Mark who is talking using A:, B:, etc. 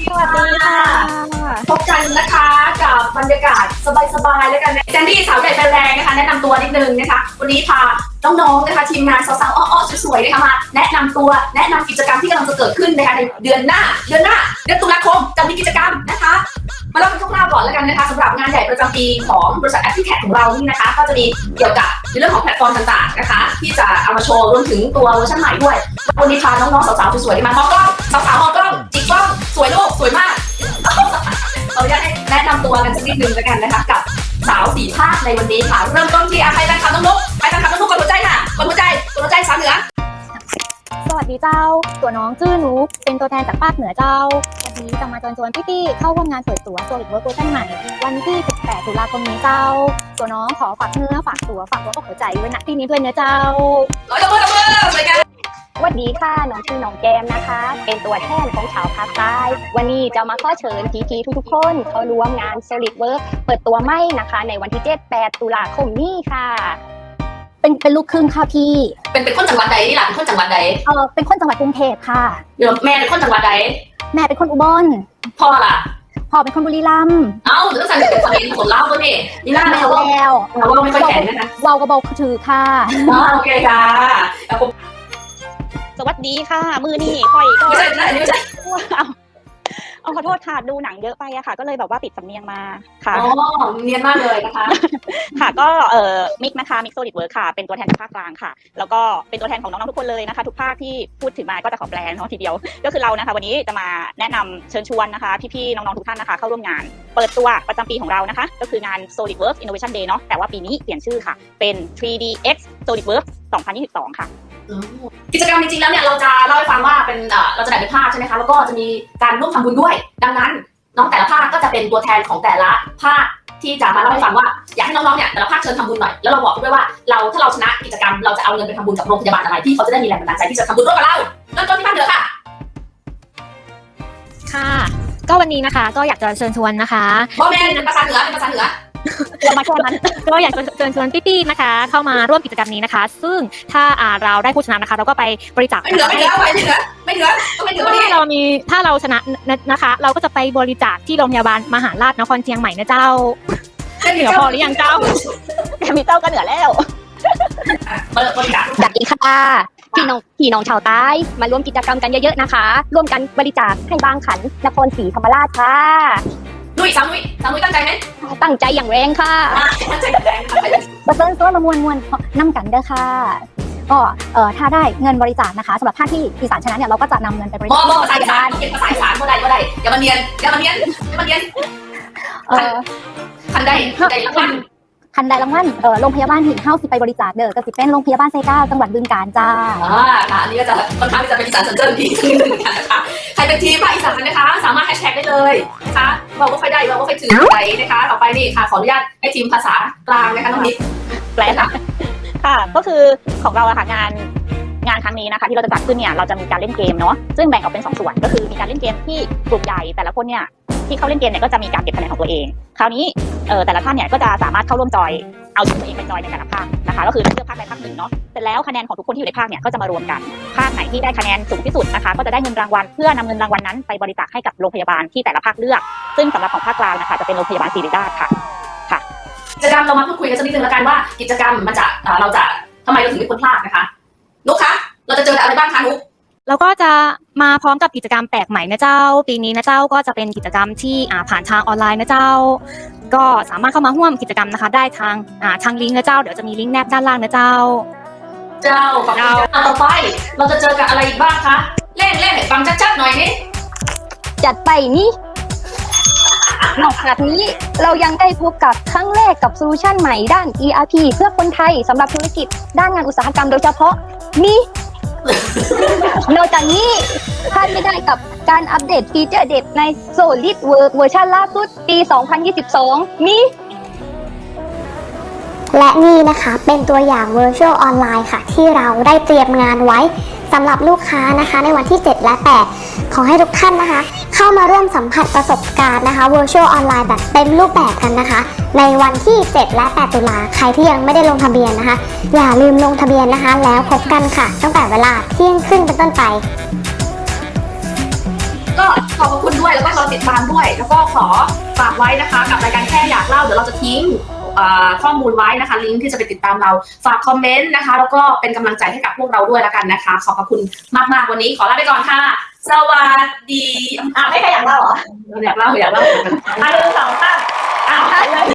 A: สวัสดีค่ะ
B: พบกันนะคะกับบรรยากาศสบายๆแล้วกันนะแซนดี้สาวใหญ่ไฟแรงนะคะแนะนำตัวนิดนึงนะคะวันนี้พาน้องๆนะคะทีมงานสาวๆอ้อๆสวยๆนะคะมาแนะนำตัวแนะนำกิจกรรมที่กำลังจะเกิดขึ้นนะคะในเดือนตุลาคมจะมีกิจกรรมนะคะมาเล่าเป็นคร่าวๆก่อนแล้วกันนะคะสำหรับงานใหญ่ประจำปีของบริษัทแอปพลิแคทของเรานี่นะคะก็จะมีเกี่ยวกับในเรื่องของแพลตฟอร์มต่างๆนะคะที่จะเอามาโชว์รวมถึงตัวเวอร์ชันใหม่ด้วยวันนี้พาน้องๆสาวๆสวยๆมามองกล้องสาวๆมองกล้องจิกกล้องสวยโลกสวยมากเราอยากให้แนะนำตัวกันสักนิดนึงแล้วกันนะคะกับสาวสี่ภาคในวันนี้ค่ะเริ่มต้นที่ใครเป็นคำน้องนุ๊กใครเป็นคำน้องนุ๊กกดหัวใจค่ะกดหัวใจสามเหนือ
A: สวัสดีเจ้าตัวน้องชื่อนุกเป็นตัวแทนจากภาคเหนือเจ้าวันนี้จะมาชวนพี่ๆเข้าร่วมงานเปิดตัว SolidWorks เวอร์ชันใหม่วันที่18ตุลาคมนี้เจ้าตัวน้องขอฝากเนื้อฝากตัวก็หัวใจไว้ณที่นี้ด้วยเนื้อเจ้า
B: ตบมือสวยงาม
A: สวัสดีค่ะน้องชื่อน้องแก้มนะคะเป็นตัวแทนของชาวภาคใต้วันนี้จะมาขอเชิญพี่ๆทุกๆคนเข้าร่วมงาน SolidWorks เปิดตัวใหม่นะคะในวันที่7-8ตุลาคมนี้ค่ะเป็นลูกครึ่งค่ะพี่
B: เป็นคนจังหวัดใดนี่ล่ะเป็นคนจังหวัดใด
A: เป็นคนจังหวัดกรุงเทพค่ะ
B: เดี๋ยวแม่เป็นคนจังหวัดใด
A: แม่เป็นคนอุบล
B: พ่อล่ะ
A: พ่อเป็นคนบุรีรัมย์
B: หรือสั่งเป็นคนเองคนเล่าตัวนี่นี่น่าแล้วเราไม่ค่อยแข็งนะคะ
A: วาวกระบอกถือค่ะ
B: โอเคค่ะ
A: สวัสดีค่ะมือนี่ค่อยก็
B: ไม่ใช่ไม่ใช่
A: ขอโทษค่ะดูหนังเยอะไปอะค่ะก็เลยแบบว่าปิดสำเนียงมาค่ะ
B: เนียนมากเลยนะคะ
A: ค่ะก็มิกนะคะมิกSolidWorksค่ะเป็นตัวแทนภาคกลางค่ะแล้วก็เป็นตัวแทนของน้องๆทุกคนเลยนะคะทุกภาคที่พูดถึงมาก็จะขอแปลเนาะทีเดียวก็คือเรานะคะวันนี้จะมาแนะนำเชิญชวนนะคะพี่ๆน้องๆทุกท่านนะคะเข้าร่วมงานเปิดตัวประจำปีของเรานะคะก็คืองาน SolidWorks Innovation Day เนาะแต่ว่าปีนี้เปลี่ยนชื่อค่ะเป็น 3DX SolidWorks 2022 ค่ะ
B: กิจกรรมจริงๆแล้วเนี่ยเราจะเล่าให้ฟังว่าเป็นเราจะแบ่งเป็นภาคใช่ไหมคะแล้วก็จะมีการร่วมทำบุญด้วยดังนั้นน้องแต่ละภาคก็จะเป็นตัวแทนของแต่ละภาคที่จะมาเล่าให้ฟังว่าอยากให้น้องๆเนี่ยแต่ละภาคเชิญทำบุญหน่อยแล้วเราบอกด้วยว่าถ้าเราชนะกิจกรรมเราจะเอาเงินไปทำบุญกับโรงพยาบาลอะไรที่เขาจะได้มีแรงบันดาลใจที่จะทำบุญร่วมกับเราเริ่มต้นที่ภาคเหนือค่ะ
A: ค่ะก็วันนี้นะคะก็อยากจะเชิญชวนนะคะ
B: พ่อแม่เป็นภาษาเหนือ
A: มาแค่นั้นก็อยากจะเชิญชวนพี่ๆนะคะเข้ามาร่วมกิจกรรมนี้นะคะซึ่งถ้าเราได้ผู้ชนะนะคะเราก็ไปบริจาค
B: ไม่เหลือ
A: ถ้าเราชนะนะคะเราก็จะไปบริจาคที่โรงพยาบาลมหาราชนครเชียงใหม่นะเจ้าเหนือพอหรือยังเจ้ามีเจ้าก็เหนือแล้ว
B: บริจาค
A: สวัสดีค่ะพี่น้องชาวใต้มาร่วมกิจกรรมกันเยอะๆนะคะร่วมกันบริจาคให้บางขันนครศรีธรรมราชค่ะ
B: สาวนุ้ยตั้งใจไหม
A: ตั้งใจอย่างแรงค่ะ
B: ตั้งใจอย่างแรง
A: มาเซิร์นมวนน้ำกันเด้อค่ะก็ถ้าได้เงินบริจาคนะคะสำหรับภาคที่อีสานชนะเนี่ยเราก็จะนำเงินไปบริจาค
B: ภาษาอีสานเก็บภาษาอีสานก็ได้อย่ามาเนียนคันใดรางวัล
A: โรงพยาบาลหินเฮ้าสิไปบริจาคเด้อก็สิเป็นโรงพยาบาลไซก้าจังหวัดบึงกาฬจ้า
B: ค่ะอันนี้ก็จะค่อนข้างที่จะเป็นอีสานสัญจรดีขึ้นนะคะใครเป็นทีมภาคอีสานนะคะสามารถแฮชแท็กได้เลยนะคะเราก็ค่อยได้เราก็ค่อยถือไปนะคะต่อไปนี่ค่ะขออนุญาตให้ทีมภาษากลางนะคะน้องนิด
A: แปลค่ะก็คือของเราอะค่ะงานครั้งนี้นะคะที่เราจะจัดขึ้นเนี่ยเราจะมีการเล่นเกมเนาะซึ่งแบ่งออกเป็น2ส่วนก็คือมีการเล่นเกมที่กลุ่มใหญ่แต่ละคนเนี่ยที่เข้าเล่นเกมเนี่ยก็จะมีการเก็บคะแนนของตัวเองคราวนี้แต่ละท่านเนี่ยก็จะสามารถเข้าร่วมจอยเอาตัวเองไปจอยในแต่ละภาคนะคะก็คือเลือกภาคใดภาคหนึ่งเนาะเสร็จแล้วคะแนนของทุกคนที่อยู่ในภาคเนี่ยก็จะมารวมกันภาคไหนที่ได้คะแนนสูงที่สุดนะคะก็จะได้เงินรางวัลเพื่อนำเงินรางวัลนั้นไปบริจาคให้กับโรงพยาบาลที่แต่ละภาคเลือกซึ่งสำหรับของภาคกลางนะคะจะเป็นโรงพยาบาลศิริราชค่ะ
B: กิจกรรมเรามาพูดคุยกันสักนิดนึงแล้วกันว่ากิจกรรมมันจะเราจะทำไมเราถึงไม่ควรพลาดนะคะนุ๊กคะเราจะเจออะไรบ้างคะนุ๊ก
A: แล้วก็จะมาพร้อมกับกิจกรรมแปลกใหม่นะเจ้าปีนี้นะเจ้าก็จะเป็นกิจกรรมที่ผ่านทางออนไลน์นะเจ้าก็สามารถเข้ามาร่วมกิจกรรมนะคะได้ทางลิงก์นะเจ้าเดี๋ยวจะมีลิงก์แนบด้านล่างนะเจ้า
B: ต่อไปเราจะเจอกับอะไรอีกบ้างคะเล่นให้ฟังชัดๆหน่อยนี่
A: จัดไปนี่นอกจากนี้เรายังได้พบกับครั้งแรกกับโซลูชันใหม่ด้าน ERP เพื่อคนไทยสำหรับธุรกิจด้านงานอุตสาหกรรมโดยเฉพาะนี่นอกจากนี้พลาดไม่ได้กับการอัปเดตฟีเจอร์เด็ดใน SolidWorks เวอร์ชันล่าสุดปี 2022 นี้
C: และนี่นะคะเป็นตัวอย่าง Virtual Online ค่ะที่เราได้เตรียมงานไว้สำหรับลูกค้านะคะในวันที่7และ8ขอให้ทุกท่านนะคะเข้ามาร่วมสัมผัสประสบการณ์นะคะ Virtual Online แบบเต็มรูปแบบกันนะคะในวันที่7และ8ตุลาใครที่ยังไม่ได้ลงทะเบียนนะคะอย่าลืมลงทะเบียนนะคะแล้วพบกันค่ะตั้งแต่เวลาเที่ยงครึ่งเป็นต้นไป
B: ก็ก็ขอบคุณด้วยแล้วก็รอติดตามด้วยแล้วก็ขอฝากไว้นะคะกับรายการแค่อยากเล่าเดี๋ยวเราจะทิ้งข้อมูลไว้นะคะลิงก์ที่จะไปติดตามเราฝากคอมเมนต์นะคะแล้วก็เป็นกำลังใจให้กับพวกเราด้วยแล้วกันนะคะขอบคุณมากๆวันนี้ขอลาไปก่อนค่ะสวัสดี
A: ไม่ใครอยากเล่าเหรอ
B: อยากเล่า
A: 1 2 3เลย